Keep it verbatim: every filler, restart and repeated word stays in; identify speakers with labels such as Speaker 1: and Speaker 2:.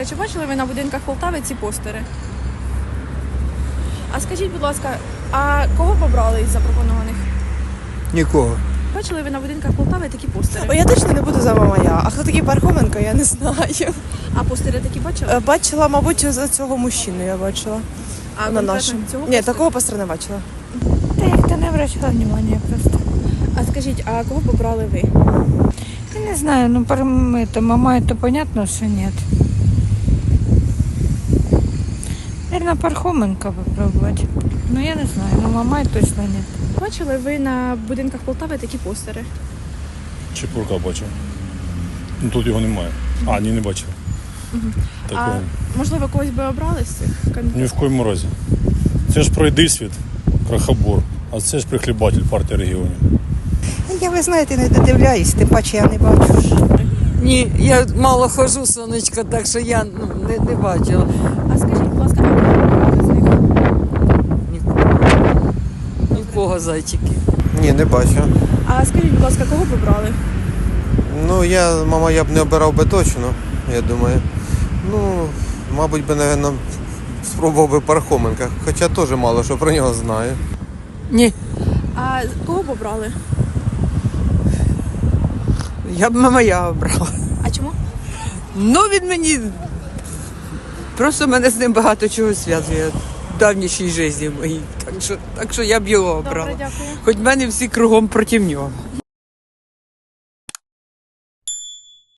Speaker 1: Чи бачили ви на будинках Полтави ці постери? А скажіть, будь ласка, а кого побрали із запропонованих?
Speaker 2: Нікого.
Speaker 1: Бачили ви на будинках Полтави такі постери?
Speaker 3: О, я точно не буду за Мамая. А хто такий Пархоменко, я не знаю.
Speaker 1: А постери такі бачили?
Speaker 3: Е, Бачила, мабуть, за цього мужчину я бачила.
Speaker 1: А
Speaker 3: на
Speaker 1: конкретно
Speaker 3: нашому.
Speaker 1: цього
Speaker 3: Ні,
Speaker 1: постера?
Speaker 3: такого постера не бачила.
Speaker 4: Да як-то не обращала внимания просто.
Speaker 1: А скажіть, а кого побрали ви?
Speaker 4: Я не знаю, ну про это, мама, это понятно, что нет. Наверное, Пархоменко попробовать. Ну я не знаю, но мама точно нет.
Speaker 1: Бачили ви на будинках Полтави такі постери?
Speaker 5: Чепурка бачив. Ну тут його немає. А, ні, не бачив. Такого.
Speaker 1: А можливо, когось би обрали з цих
Speaker 5: Ні
Speaker 1: кандидатів?
Speaker 5: в коєму разі. Це ж пройди світ, крахобор, а це ж прихлібатель партії регіонів.
Speaker 6: Я, ви знаєте, не додивляюсь, тим паче я не бачу.
Speaker 7: Ні, я мало хожу, сонечко, так що я ну, не, не бачила.
Speaker 1: А скажіть, будь ласка, а кого побрали з них?
Speaker 7: Нікого. Нікого, зайчики.
Speaker 2: Ні, не бачу.
Speaker 1: А скажіть, будь ласка, кого побрали?
Speaker 2: Ну, я, мама, я б не обирав би точно, я думаю. Ну, мабуть би, напевно, спробував би Пархоменка, хоча теж мало що про нього знаю.
Speaker 7: Ні,
Speaker 1: А кого побрали?
Speaker 7: я б Мамая обрала.
Speaker 1: А чому?
Speaker 7: Ну, він мені, просто мене з ним багато чого зв'язує в давнішій житті моїй. Так що, так що я б його обрала.
Speaker 1: Добре, дякую.
Speaker 7: Хоч в мене всі кругом проти нього.